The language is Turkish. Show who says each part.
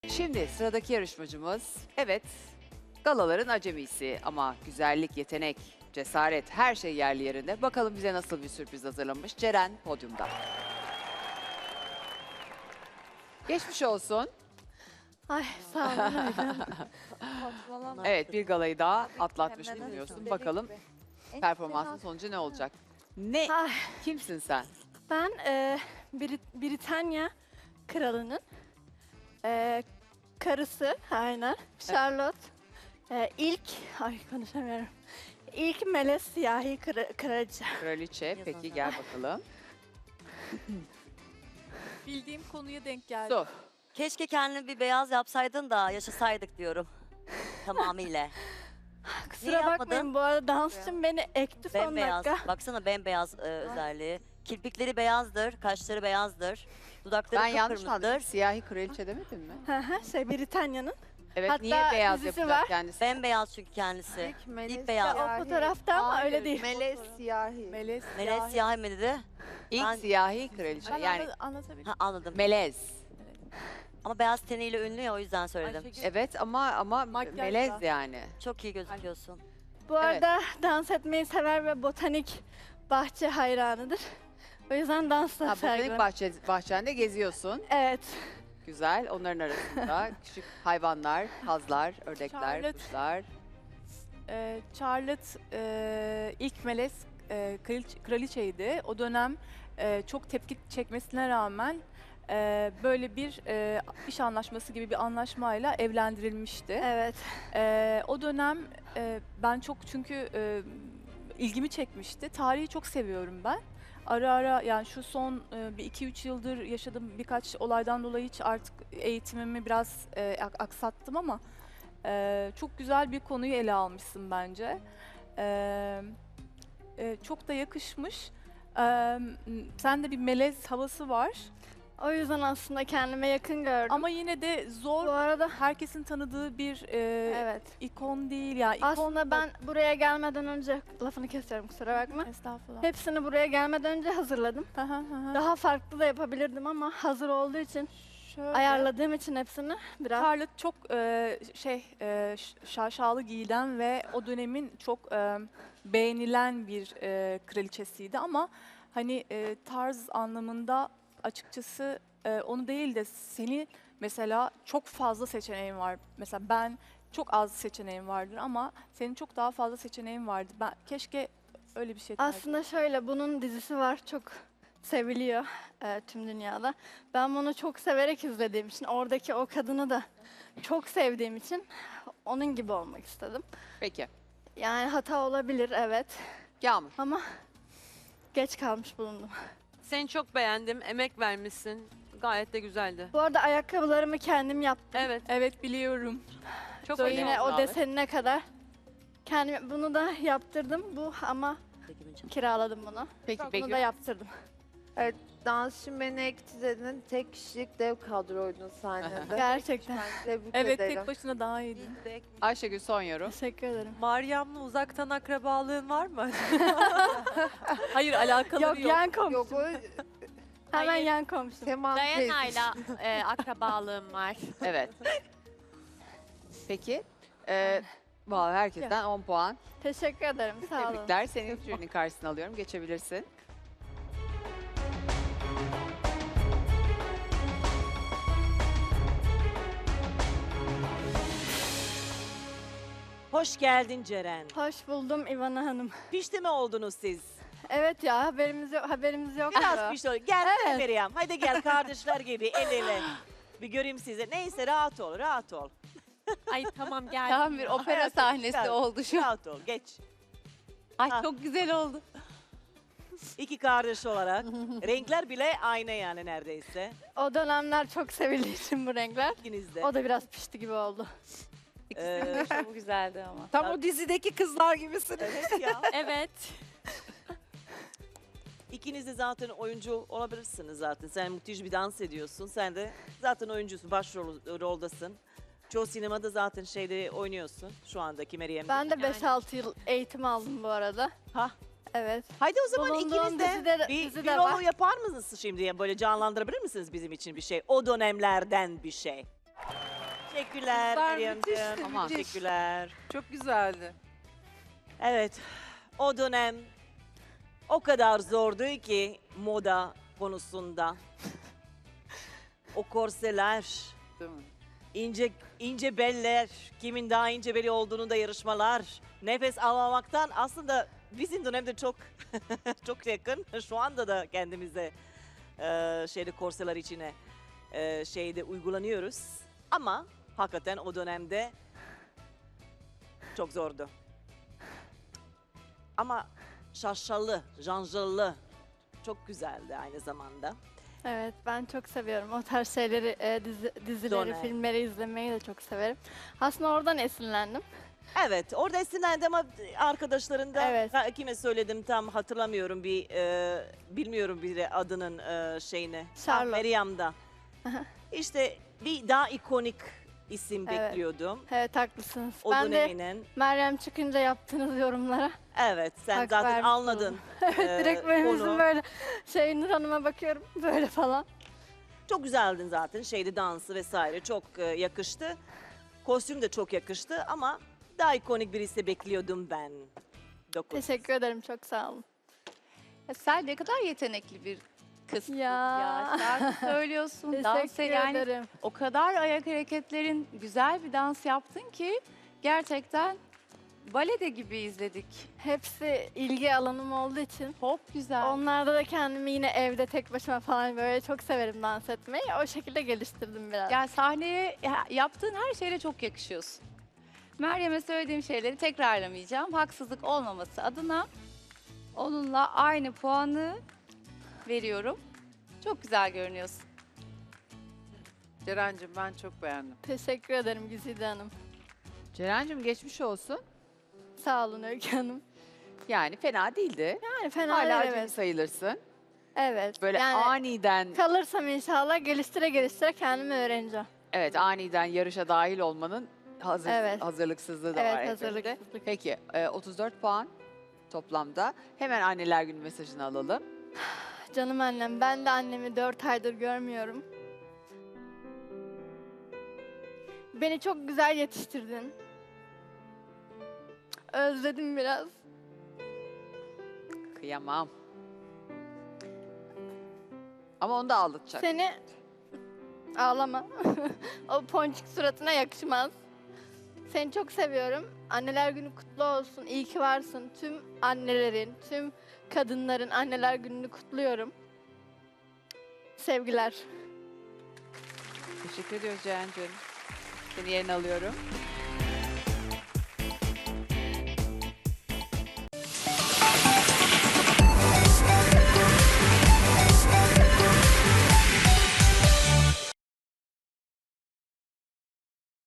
Speaker 1: Şimdi sıradaki yarışmacımız, evet, galaların acemisi ama güzellik, yetenek, cesaret her şey yerli yerinde. Bakalım bize nasıl bir sürpriz hazırlamış. Ceren podyumda. Geçmiş olsun.
Speaker 2: Ay sağ olun Öykü.
Speaker 1: Evet, bir galayı daha atlatmış bulunuyorsun. Bakalım performansın sonucu ne olacak? Ne?
Speaker 2: Ay,
Speaker 1: Kimsin sen?
Speaker 2: ben Britanya kralının karısı, aynen. Charlotte. İlk, ay konuşamıyorum. İlk melez siyahi kraliçe.
Speaker 1: Kraliçe. Peki gel bakalım.
Speaker 3: Bildiğim konuya denk geldi.
Speaker 1: Su.
Speaker 4: Keşke kendini bir beyaz yapsaydın da yaşasaydık diyorum. Tamamıyla.
Speaker 2: Kusura
Speaker 4: Niye
Speaker 2: bakmayın
Speaker 4: yapmadın?
Speaker 2: bu arada dansçım beni ekti son
Speaker 4: Bembeyaz.
Speaker 2: dakika.
Speaker 4: Baksana bembeyaz özelliği. Kirpikleri beyazdır, kaşları beyazdır. Dudakları
Speaker 1: Ben yanlış mı anladım?
Speaker 4: kıpkırmızıdır.
Speaker 1: Siyahi kraliçe demedin mi?
Speaker 2: Britanya'nın.
Speaker 1: Evet,
Speaker 2: Hatta
Speaker 1: niye beyaz
Speaker 2: dizisi
Speaker 1: yapacak
Speaker 2: var.
Speaker 1: kendisi?
Speaker 4: Bembeyaz çünkü kendisi. İlk beyaz.
Speaker 2: O fotoğrafta ama öyle değil.
Speaker 5: Melez siyahi.
Speaker 3: Melez
Speaker 4: Melez siyah mı dedi?
Speaker 1: İlk
Speaker 4: Ben-
Speaker 1: siyahi kraliçe.
Speaker 3: Ben
Speaker 1: Yani
Speaker 3: anlatabilirim.
Speaker 4: Ha, anladım.
Speaker 1: melez.
Speaker 4: Ama beyaz teniyle ünlü ya o yüzden söyledim.
Speaker 3: Ayşegül,
Speaker 1: Evet ama
Speaker 3: Makyajla.
Speaker 1: melez yani.
Speaker 4: Çok iyi gözüküyorsun.
Speaker 2: Bu arada dans etmeyi sever ve botanik bahçe hayranıdır. O yüzden dansla
Speaker 1: Ha, botanik
Speaker 2: sergiler.
Speaker 1: bahçende geziyorsun.
Speaker 2: Evet.
Speaker 1: Güzel. Onların arasında küçük hayvanlar, kazlar, ördekler,
Speaker 3: Charlotte.
Speaker 1: kuşlar.
Speaker 3: Charlotte ilk melez kraliçeydi. O dönem çok tepki çekmesine rağmen böyle bir iş anlaşması gibi bir anlaşmayla evlendirilmişti.
Speaker 2: Evet.
Speaker 3: O dönem ben çok çünkü ilgimi çekmişti. Tarihi çok seviyorum ben. Ara ara yani şu son bir 2-3 yıldır yaşadığım birkaç olaydan dolayı hiç artık eğitimimi biraz aksattım ama çok güzel bir konuyu ele almışsın bence. Çok da yakışmış. Sende bir melez havası var
Speaker 2: O yüzden aslında kendime yakın gördüm.
Speaker 3: ama yine de zor.
Speaker 2: bu arada
Speaker 3: Herkesin tanıdığı bir
Speaker 2: evet.
Speaker 3: ikon değil ya. İkon
Speaker 2: Aslında ben buraya gelmeden önce lafını kesiyorum kusura bakma.
Speaker 3: Estağfurullah.
Speaker 2: Hepsini buraya gelmeden önce hazırladım.
Speaker 3: Hı hı hı.
Speaker 2: Daha farklı da yapabilirdim ama hazır olduğu için
Speaker 3: Şöyle.
Speaker 2: ayarladığım için hepsini biraz
Speaker 3: Charlotte çok şaşalı giyilen ve o dönemin çok beğenilen bir kraliçesiydi ama hani tarz anlamında açıkçası onu değil de seni mesela çok fazla seçeneğin var. Mesela ben çok az seçeneğim vardır ama senin çok daha fazla seçeneğin vardı. Ben keşke öyle bir şey tercih
Speaker 2: aslında şöyle bunun dizisi var çok seviliyor tüm dünyada. Ben bunu çok severek izlediğim için oradaki o kadını da çok sevdiğim için onun gibi olmak istedim.
Speaker 1: Peki.
Speaker 2: Yani hata olabilir evet
Speaker 1: Yağmur.
Speaker 2: ama geç kalmış bulundum.
Speaker 5: Seni çok beğendim. Emek vermişsin. Gayet de güzeldi.
Speaker 2: Bu arada ayakkabılarımı kendim yaptım.
Speaker 5: Evet.
Speaker 3: Evet biliyorum.
Speaker 5: Çok
Speaker 1: Söyle.
Speaker 5: iyi.
Speaker 2: Yine
Speaker 1: oldu
Speaker 2: o
Speaker 1: abi?
Speaker 2: desenine kadar. Kendim bunu da yaptırdım bu ama kiraladım bunu.
Speaker 1: Peki
Speaker 2: Bunu
Speaker 1: Begüm.
Speaker 2: da yaptırdım.
Speaker 6: Dansçı beni ektizedin. Tek kişilik dev kadroydun sahnede.
Speaker 2: Gerçekten.
Speaker 6: Tebrik
Speaker 3: Evet
Speaker 6: ederim.
Speaker 3: tek başına daha iyiydi.
Speaker 1: Ayşegül son yorum.
Speaker 2: Teşekkür ederim.
Speaker 5: Meryem'le uzaktan akrabalığın var mı?
Speaker 3: Hayır alakaları
Speaker 2: Yok,
Speaker 3: yok.
Speaker 2: yan komşum.
Speaker 6: Yok o
Speaker 2: Hemen
Speaker 5: Hayır.
Speaker 2: yan komşum.
Speaker 6: Sema teyze.
Speaker 5: Dayana'yla akrabalığım var.
Speaker 1: Evet. Peki. Vallahi herkesten 10 puan.
Speaker 2: Teşekkür ederim. Sağ olun.
Speaker 1: Tebrikler. Seni jürinin karşısına alıyorum. Geçebilirsin.
Speaker 7: Hoş geldin Ceren.
Speaker 2: Hoş buldum İvana Hanım.
Speaker 7: Pişti mi oldunuz siz?
Speaker 2: Evet ya haberimiz yok.
Speaker 7: Biraz pişti. Gel
Speaker 2: Evet.
Speaker 7: Meryem. Hadi gel kardeşler gibi el ele. Bir göreyim sizi. Neyse rahat ol, rahat ol.
Speaker 5: Ay tamam gel.
Speaker 8: Tam bir opera
Speaker 7: Hayatım,
Speaker 8: sahnesi
Speaker 7: gel.
Speaker 8: oldu şu an.
Speaker 7: Rahat ol, geç.
Speaker 8: Ay
Speaker 7: Ha.
Speaker 8: çok güzel oldu.
Speaker 7: İki kardeş olarak. Renkler bile aynı yani neredeyse.
Speaker 2: O dönemler çok sevildiği için bu renkler.
Speaker 7: İkiniz de.
Speaker 2: O da biraz pişti gibi oldu.
Speaker 7: Ee,
Speaker 8: Çok güzeldi ama.
Speaker 5: Tam o dizideki kızlar gibisin.
Speaker 7: evet ya.
Speaker 5: Evet.
Speaker 7: İkiniz de zaten oyuncu olabilirsiniz zaten. Sen müthiş bir dans ediyorsun. Sen de zaten oyuncusun, roldasın. Çoğu sinemada zaten şeyde oynuyorsun şu andaki Meryem'de.
Speaker 2: Ben de 5-6 yıl eğitim aldım bu arada.
Speaker 7: Ha.
Speaker 2: Evet.
Speaker 7: Haydi o zaman
Speaker 2: Bulunduğum
Speaker 7: ikiniz de
Speaker 2: dizide
Speaker 7: bir
Speaker 2: de
Speaker 7: rol
Speaker 2: var.
Speaker 7: yapar mısınız şimdi? Böyle canlandırabilir misiniz bizim için bir şey? O dönemlerden bir şey. Teşekkürler
Speaker 8: Kızlar
Speaker 7: Meryem'ciğim.
Speaker 8: müthişti,
Speaker 1: Aman.
Speaker 8: müthiş.
Speaker 7: Teşekkürler.
Speaker 8: Çok güzeldi.
Speaker 7: Evet, o dönem o kadar zordu ki moda konusunda. O korseler,
Speaker 8: Değil mi?
Speaker 7: ince beller, kimin daha ince beli olduğunu da yarışmalar. Nefes almamaktan aslında bizim dönemde çok çok yakın. Şu anda da kendimize korseler içine uygulanıyoruz. Ama hakikaten o dönemde çok zordu. Ama şaşalı, janjalı, çok güzeldi aynı zamanda.
Speaker 2: Evet, ben çok seviyorum. O tarz şeyleri, dizileri,
Speaker 7: Dönem.
Speaker 2: filmleri izlemeyi de çok severim. Aslında oradan esinlendim.
Speaker 7: Evet, orada esinlendi ama arkadaşlarında
Speaker 2: Evet.
Speaker 7: kime söyledim tam hatırlamıyorum bilmiyorum bile adının şeyini.
Speaker 2: Charlotte.
Speaker 7: Meryem'da. İşte bir daha ikonik isim
Speaker 2: Evet.
Speaker 7: bekliyordum.
Speaker 2: Evet, haklısınız.
Speaker 7: O
Speaker 2: Ben de
Speaker 7: döneminin.
Speaker 2: Meryem çıkınca yaptığınız yorumlara
Speaker 7: Evet, sen
Speaker 2: hak
Speaker 7: zaten
Speaker 2: vermiş
Speaker 7: anladın.
Speaker 2: direkt böyle
Speaker 7: onu.
Speaker 2: yüzüm böyle Nur Hanım'a bakıyorum böyle falan.
Speaker 7: Çok güzeldin zaten. Dansı vesaire çok yakıştı. Kostüm de çok yakıştı ama daha ikonik birisi bekliyordum ben. 9.
Speaker 2: Teşekkür ederim, çok sağ olun.
Speaker 8: Ya sen ne kadar yetenekli bir kızsın
Speaker 2: Ya.
Speaker 8: ya. Şarkı söylüyorsun, dans
Speaker 2: Teşekkür
Speaker 8: yani
Speaker 2: ederim.
Speaker 8: o kadar ayak hareketlerin güzel bir dans yaptın ki gerçekten balede gibi izledik.
Speaker 2: Hepsi ilgi alanım olduğu için
Speaker 8: Çok güzel.
Speaker 2: onlarda da kendimi yine evde tek başıma falan böyle çok severim dans etmeyi. O şekilde geliştirdim biraz.
Speaker 8: Yani sahneye yaptığın her şeyle çok yakışıyorsun. Meryem'e söylediğim şeyleri tekrarlamayacağım. Haksızlık olmaması adına onunla aynı puanı veriyorum. Çok güzel görünüyorsun.
Speaker 9: Ceren'cim ben çok beğendim.
Speaker 2: Teşekkür ederim Güzide Hanım.
Speaker 1: Ceren'cim geçmiş olsun.
Speaker 2: Sağ olun Öykü Hanım.
Speaker 1: Yani fena değildi.
Speaker 2: Yani fena
Speaker 1: Hala
Speaker 2: değil,
Speaker 1: acemi
Speaker 2: evet.
Speaker 1: sayılırsın.
Speaker 2: Evet.
Speaker 1: Böyle
Speaker 2: yani
Speaker 1: aniden,
Speaker 2: kalırsam inşallah geliştire kendimi öğreneceğim.
Speaker 1: evet aniden yarışa dahil olmanın
Speaker 2: Evet.
Speaker 1: hazırlıksızlığı da
Speaker 2: Evet,
Speaker 1: var elbette.
Speaker 2: hazırlıksızlık.
Speaker 1: Peki 34 puan toplamda. Hemen anneler günü mesajını alalım.
Speaker 2: Canım annem, ben de annemi 4 aydır görmüyorum. Beni çok güzel yetiştirdin. Özledim biraz.
Speaker 1: Kıyamam. Ama onu da ağlatacak.
Speaker 2: Seni ağlama. O ponçik suratına yakışmaz. Seni çok seviyorum. Anneler günü kutlu olsun. İyi ki varsın. Tüm annelerin, tüm kadınların anneler gününü kutluyorum. Sevgiler.
Speaker 1: Teşekkür ediyoruz Ceren'cim. Seni yerine alıyorum.